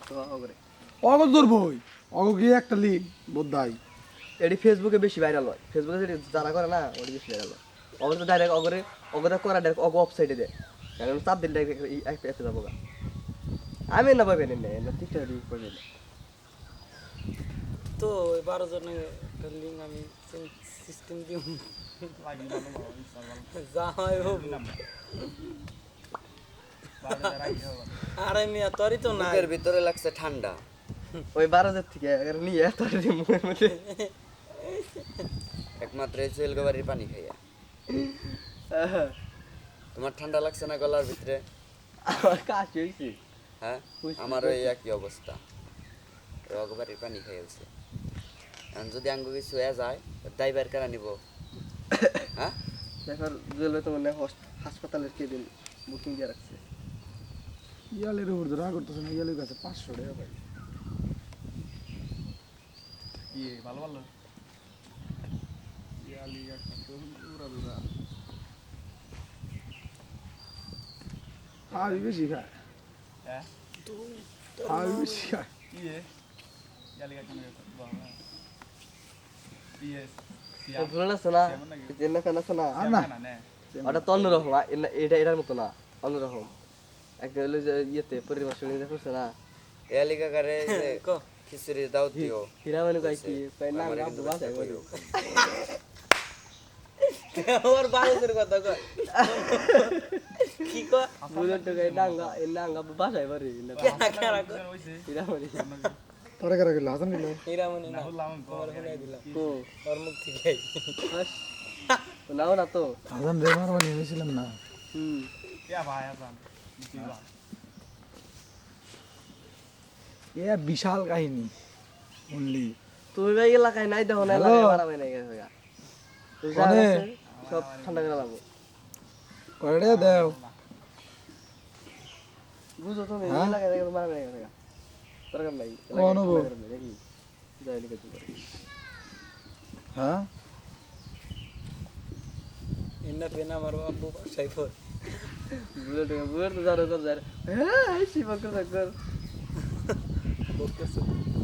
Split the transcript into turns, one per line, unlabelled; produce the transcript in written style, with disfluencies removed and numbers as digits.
অগরে
অগর ধরবই অগ গিয়ে একটা লিন বোধাই
এটি ফেসবুকে বেশি ভাইরাল হয় ফেসবুকে যেটি যারা করে না ওটি বেশি ভাইরাল হয় অগরে তো ডাইরেক্ট অগরে অগরে করা ডাইরেক্ট অগ ওয়েবসাইটে দেয় কারণ চাপ দিন ডাইরেক্ট একটা অ্যাপে যাবো গা আমি না পাবেন না টিকটক পাবেন
তো ওই 12 জনের একটা লিঙ্ক আমি সিস্টেম দিই যা হয় হোক আরে মিয়া তোরই তো নাই
বুকের ভিতরে লাগছে ঠান্ডা
ওই 12 থেকে নিয়ে তার মুখের মধ্যে
একমাত্র এই চুয়েলগো বাড়ির পানি খাইয়া তোমার ঠান্ডা লাগছে না গলার ভিতরে
আমার কাশি হয়েছে
হ্যাঁ আমার ওই একই অবস্থা রগ বাড়ির পানি খাইয়াছে এখন যদি আঙ্গ কিছু হয়ে যায় ড্রাইভার কারা নিব হ্যাঁ
দেখর জেলে তো মানে হাসপাতালের কেবিন বুকিং দিয়ে রাখছে
ইয়ালের উপর ধরা করতেছে না ইয়ালের কাছে 500 টাকা ভাই
ভালো ভালো
ইয়ালি একটা তো পুরা দুরা আর বেশি খায়
হ্যাঁ
আর বেশি খায়
ভুলে আছে না চেন্না ফ্যান আছে না
আর না
ওটা তো অন্যরকম এটা এটার মতো না অন্যরকম একটা হলো যে ইয়েতে পরিবার শুনে দেখছে না
এলিকা কারে খিচুড়ি দাও দিও
হীরা মানে কই কি কই না
আমারে
না
কিন্তু
বাবা
বাঁচায় কইও।
ওর বারোদের কথা কয় কি কয়
বুলেট তো কই ডাঙ্গা এই ডাঙ্গা বাসায় পারে
কেনা কেনা কয়
হীরা মানে
তোরা কারা গেল হাসান গেল
হীরামণি না তোমার শুনাই দিলাম
কো
ওর মুখ থেকে
বাস নাও না তো
হাসান রে মারবানি হয়েছিলাম না এ বিশাল কাহিনী অনলি
তুমি ভাই এলাকায় নাই দেখো না এলাকায় বাড়াবে নাই গেছে গা তুই যা
কোনে?
আছে, সব ঠান্ডা করে লাগবো
কয়টা দেও
বুঝো তুমি
হ্যাঁ?
এলাকায় দেখো বাড়াবে নাই গেছে গা দরকার নাই
ও অনুভব।
দেখি যাই লিখে দিবো
হ্যাঁ
এন্না পেনা আমার আব্বু বাসায় পর
বুলেট তো জানো কর যার হ্যাঁ শিবকর কর
বলতেছে